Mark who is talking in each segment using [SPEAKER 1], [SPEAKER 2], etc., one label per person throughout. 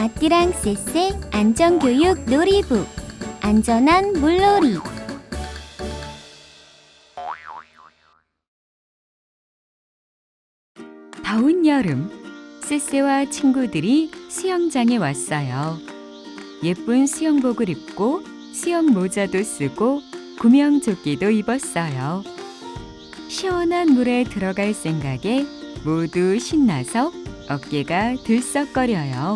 [SPEAKER 1] 아띠랑 쎄쎄 안전교육 놀이부 안전한 물놀이.
[SPEAKER 2] 더운 여름, 쎄쎄와 친구들이 수영장에 왔어요. 예쁜 수영복을 입고 수영 모자도 쓰고 구명조끼도 입었어요. 시원한 물에 들어갈 생각에 모두 신나서 어깨가 들썩거려요.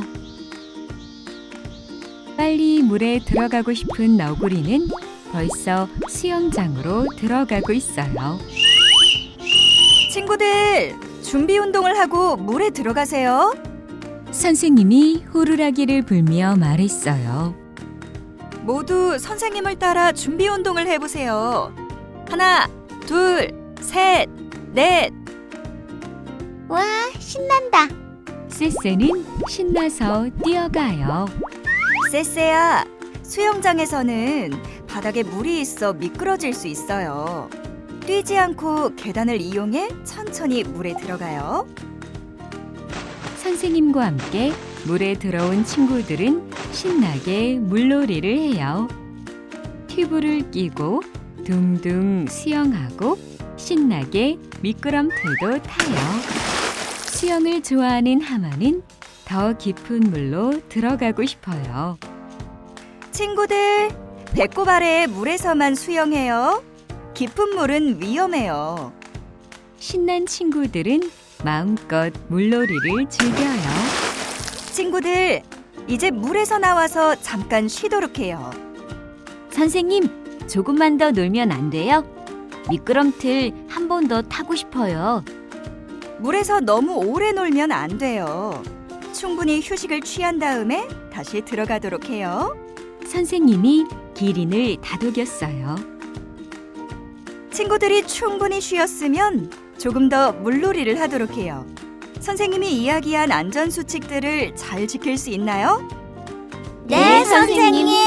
[SPEAKER 2] 빨리 물에 들어가고 싶은 너구리는 벌써 수영장으로 들어가고 있어요.
[SPEAKER 3] 친구들, 준비 운동을 하고 물에 들어가세요.
[SPEAKER 2] 선생님이 호루라기를 불며 말했어요.
[SPEAKER 3] 모두 선생님을 따라 준비 운동을 해보세요. 하나, 둘, 셋, 넷.
[SPEAKER 1] 와, 신난다.
[SPEAKER 2] 쎄쎄는 신나서 뛰어가요.
[SPEAKER 3] 쎄쎄야, 수영장에서는 바닥에 물이 있어 미끄러질 수 있어요. 뛰지 않고 계단을 이용해 천천히 물에 들어가요.
[SPEAKER 2] 선생님과 함께 물에 들어온 친구들은 신나게 물놀이를 해요. 튜브를 끼고 둥둥 수영하고 신나게 미끄럼틀도 타요. 수영을 좋아하는 하마는 더 깊은 물로 들어가고 싶어요.
[SPEAKER 3] 친구들, 배꼽 아래 물에서만 수영해요. 깊은 물은 위험해요.
[SPEAKER 2] 신난 친구들은 마음껏 물놀이를 즐겨요.
[SPEAKER 3] 친구들, 이제 물에서 나와서 잠깐 쉬도록 해요.
[SPEAKER 1] 선생님, 조금만 더 놀면 안 돼요? 미끄럼틀 한 번 더 타고 싶어요.
[SPEAKER 3] 물에서 너무 오래 놀면 안 돼요. 충분히 휴식을 취한 다음에 다시 들어가도록 해요.
[SPEAKER 2] 선생님이 기린을 다독였어요.
[SPEAKER 3] 친구들이 충분히 쉬었으면 조금 더 물놀이를 하도록 해요. 선생님이 이야기한 안전수칙들을 잘 지킬 수 있나요?
[SPEAKER 1] 네, 선생님.